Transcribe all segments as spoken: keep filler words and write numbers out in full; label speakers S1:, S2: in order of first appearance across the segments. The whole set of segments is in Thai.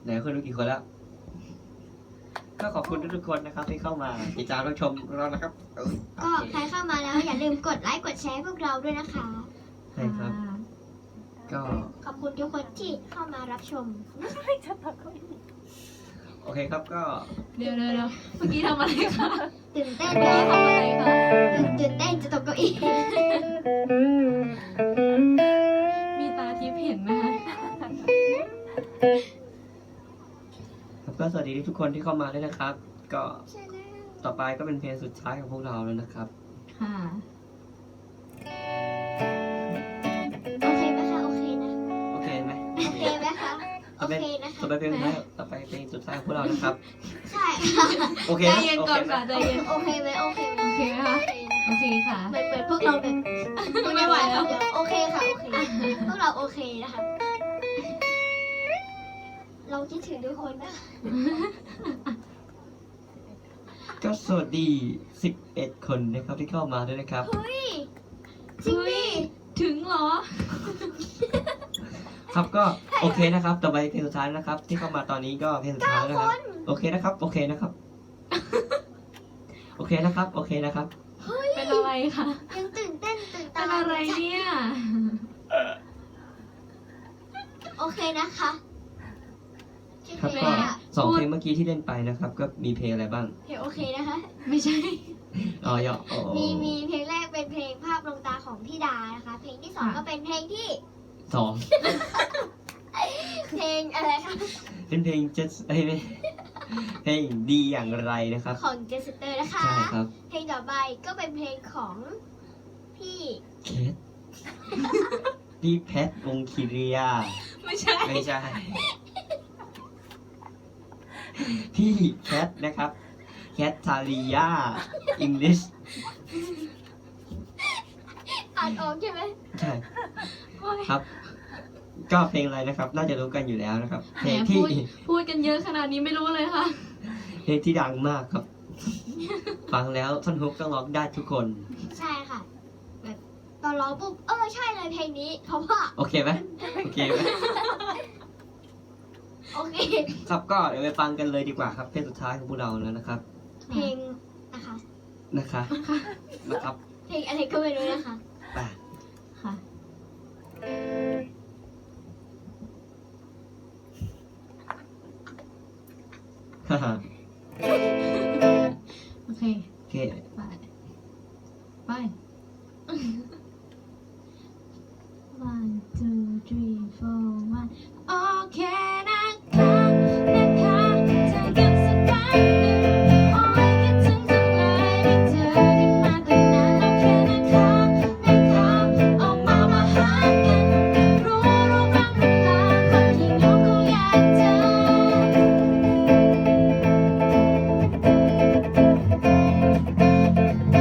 S1: ไหนคนดูกี่คนแล้วก็ขอบคุณทุกๆคนนะครับที่เข้ามาติดตามรับชมเรานะครับเออ
S2: ก็ใครเข้ามาแล้วอย่าลืมกดไลค์กดแชร์พวกเราด้วยนะคะ
S1: ใช่ครับ ก็
S2: ขอบคุณทุกคนที่เข้ามารับชม
S1: โอเคครับก็
S3: เดี๋ยวเดี๋ยวเดี๋ยวเมื่อกี้ทำอะไรคะ
S2: ตื่นเต้น
S3: เมื่อ
S2: เล
S3: กี้
S2: ย
S3: ทำอะไรคะ
S2: ตื่นเต้นจะตกเก้าอี้
S3: มีตาทิพย์เห็นไหมคะ
S1: ครับก็สวัสดีทุกคนที่เข้ามาด้วยนะครับ ก็ต่อไปก็เป็นเพลงสุดท้ายของพวกเราแล้วนะครับ
S3: ค่ะ
S2: โอเคไหมคะโอเคนะ
S1: โอเคไหม
S2: โอเคไหมคะโอเคนะคะ
S1: ต่อไปเพลงสุดท้ายต่อไปเพลงสุดท้ายของพวกเรานะครับ
S2: ใช่ค่ะ
S1: โอเค
S3: ใจ
S1: นะ
S3: เย็น
S1: โอ
S3: ก่อ
S1: เคน ไหม
S3: ค่ะใจเย็น
S2: โอเคไหมโอเคไหม
S3: โอเคไหมคะ โอเคค่ะ
S2: เหมือนเหมือนพวกเราแบบ
S3: ไม่ไหวแล้ว
S2: เดี๋ยโอเคค่ะโอเคพวกเราโอเคนะคะเราคิดถึงทุกคนนะ
S1: ก็สวัสดีสิบเอ็ดคนนะครับที่เข้ามาด้วยนะครับ
S2: เฮ้ยจริงดิ
S3: ถึงเหรอ
S1: ครับก็โอเคนะครับต่อไปเพลงสุดท้ายนะครับ ที่เข้ามาตอนนี้ก็เพลงสุดท้ายนะครับโอเคนะครับ โอเคนะครับ โอเคนะครับ โอเคนะครับ
S2: เฮ้ย
S3: เป็นอะไรคะ
S2: ยังตื่นเต้นตื่น
S3: เป็
S2: ตาน
S3: อะไรเนี่ย
S2: โอเคนะคะ
S1: ครับ
S2: โอเค
S1: ก็
S2: อะ
S1: สองเพลงเมื่อกี้ที่เล่นไปนะครับ ก็มีเพลงอะไรบ้าง
S2: เพลงโอเคนะคะ
S3: ไม่ใช่
S1: อ๋อยออ๋อ
S2: มีมีเพลงแรกเป็นเพลงภาพลวงตาของพี่ดานะคะ เพลงที่สอง
S3: ค่ะ
S2: ก็เป็นเพลงที่
S1: สอง
S2: เพลงอะไรคะ
S1: เป็นเพลงเจสเอ้ยไม่เพลงดีอย่างไรนะครับ
S2: ของเจสเตอร์นะคะ
S1: ใช่ครับ
S2: เพลงต่อไปก็เป็นเพลงของพี่
S1: เคสพี่แพทวงคีเรีย
S3: ไม่ใช่
S1: ไม่ใช่ พี่แคทนะครับ แคททาริยาอังกฤษ
S2: อ่านออกใช่ไหม
S1: ใช่
S3: โอ๊ย
S1: ครับ ก็เพลงอะไรนะครับ น่าจะรู้กันอยู่แล้วนะครับ เพ
S3: แห
S1: ลง
S3: ม
S1: ที่
S3: พูดพูดกันเยอะขนาดนี้ไม่รู้เลยค่ะ
S1: เพลงที่ดังมากครับ ฟังแล้วท่อนฮุกต้องร้องได้ทุกคน
S2: ใช่ค่ะ แบบตอนร้องปุ๊บเออใช่เลยเพลงนี้ เพราะว่า
S1: โอเคไหมโอเคไหม
S2: โอเค
S1: ครับก็เดี๋ยวไปฟังกันเลยดีกว่าครับ เพลงสุดท้ายของพวกเราแล้วนะครับ
S2: เพลงนะคะ
S1: นะคะ นะครับ
S2: เพลงอะไรก็ไม่รู้นะคะ
S1: ไป
S3: ค่ะ
S1: ฮ่าฮ่า
S3: โอเค
S1: โอเค
S3: ไป ไป one two three four one โอเคนะคะนะคะเธอยังสักแป๊บหนึ่งโอ้ยคิดถึงจังเลยได้เจอกันมาตั้งนานโอเคนะคะนะคะออกมามาหากันรู้รู้บ้างหรือเปล่าคนที่ยกเขาอยากเจอ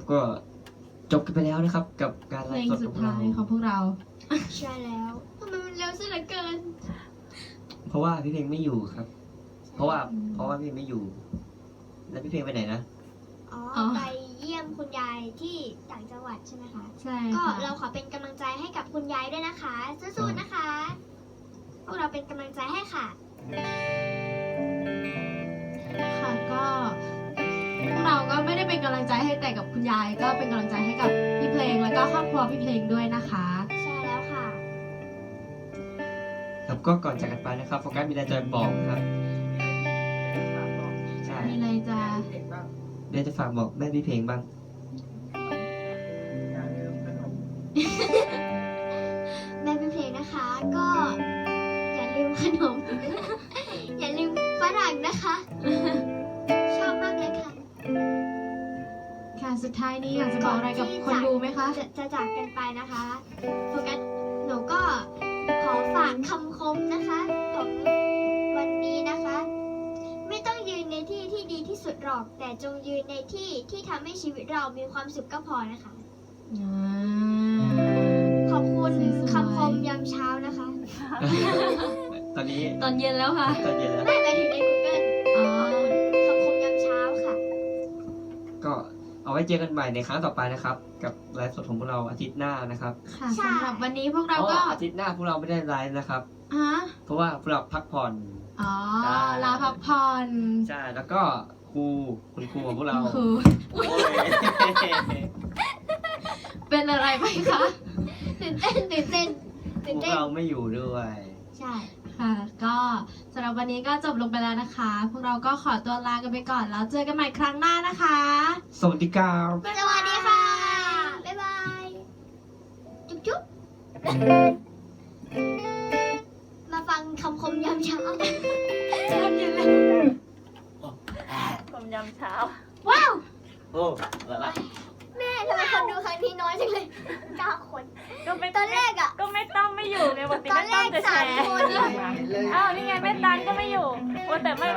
S1: ก็จบกันไปแล้วนะครับ กับการ
S3: เพ
S1: ไล
S3: ลง
S1: ฟ์สด
S3: สุ
S1: ข
S3: ด
S1: อง
S3: ท้า
S1: เรา
S3: ยของพวกเรา
S2: ใช่แล้วทำไมมันเร็วซะเหลือเกิน
S1: เพราะว่าพี่เพลงไม่อยู่ครับ เพราะว่าเพราะว่าพี่เพลงไม่อยู่ แล้วพี่เพลงไปไหนนะ
S2: อ๋อ
S3: อ๋อ
S2: ไปเยี่ยมคุณยายที่ต่างจังหวัดใช่ไหมคะ
S3: ใช่
S2: ก็
S3: ค่ะ
S2: เราขอเป็นกำลังใจให้กับคุณยายด้วยนะคะสู้ๆนะคะ พวกเราเป็นกำลังใจให้ค่ะ
S3: ค่ะก็พวกเราก็ไม่ได้เป็นกำลังใจให้แต่กับคุณยาย ก็เป็นกำลังใจให้กับพี่เพลงแล้วก็ครอบครัวพี่เพลงด้วยนะคะ
S2: ใช่แล้วค่ะ
S1: ครับก็ก่อนจากกันไปนะครับโฟกัสมีอะไรจะบอกครับใช่
S3: มีอะไรจะ
S1: เดี๋ยวจะฝากบอกแม่พี่เพลงบ้าง
S2: แม่เป็นเพลงนะคะ ก็อย่าลืมขนม อย่าลืมฝรั่งนะคะ ชอบมากเลยค่ะ
S3: ค่ะสุดท้ายนี้อยากจะบอกอะไรกับคนดูไหมคะ
S2: จะจะจากกันไปนะคะโฟกัสหนูก็ขอฝากคำคมนะคะ ของวันนี้นะคะ ไม่ต้องยืนในที่ที่ดีที่สุดหรอก แต่จงยืนในที่ที่ทำให้ชีวิตเรามีความสุขก็พอนะคะ
S3: อ่า
S2: ขอบคุณ
S3: สวยๆ
S2: คำคมยามเช้านะคะ
S1: ตอนนี้
S3: ตอนเย็นแล้วค่ะ
S1: ตอนเย็นแล้ว
S2: ไม่หมายถึงใน Google
S3: อ๋อ
S2: คำคมยามเช้าค่ะ
S1: ก็เอาไว้เจอกันใหม่ในครั้งต่อไปนะครับ กับไลฟ์สดของพวกเราอาทิตย์หน้านะครับ
S3: ค่ะ
S2: ใช่
S3: สำหรับวันนี้พวกเรา
S1: อ๋อ
S3: ก็
S1: อาทิตย์หน้าพวกเราไม่ได้ไลฟ์นะครับ
S3: ฮะ
S1: เพราะว่าพวกเราพักผ่อน
S3: อ๋อ
S1: ได้
S3: ลาพักผ่อน
S1: ใช่แล้วก็ครูคุณครูของพวกเรา
S3: คือ
S1: โอ้ย
S3: เป็นอะไรไปคะ
S2: ตื่นเต้นตื่นเต้น
S1: พ
S2: ตื่น
S1: วก
S2: เต้น
S1: เราไม่อยู่ด้วย
S2: ใช่
S3: ค่ะ ก็สำหรับวันนี้ก็จบลงไปแล้วนะคะ พวกเราก็ขอตัวลากันไปก่อนแล้วเจอกันใหม่ครั้งหน้านะคะ
S1: สวัสดีครับ
S2: สวัสดีค่ะ บ๊ายบาย จุ๊บจุ๊บมาฟังคำคมยามเช้า
S3: ตอนเย็นแล้ว
S4: ผมยำเช้า
S3: ว้าว
S1: โอ้อะไร
S2: แม่ทำไมคนดูครั้งนี้น้อยจังเลยเก้าคน
S4: ก็ไม่
S2: ตอนแรกอะ
S4: ก็ไม่ต้องไม่อยู่ไงปกติ
S2: ตอน
S4: ไม่
S2: แร
S4: ต้อง
S2: ก
S4: จะแช
S2: สาม
S4: ร์
S2: คน
S4: อ้าวนี่ไงแม่ตันก็ไม่อยู่ว่าแต่ไม่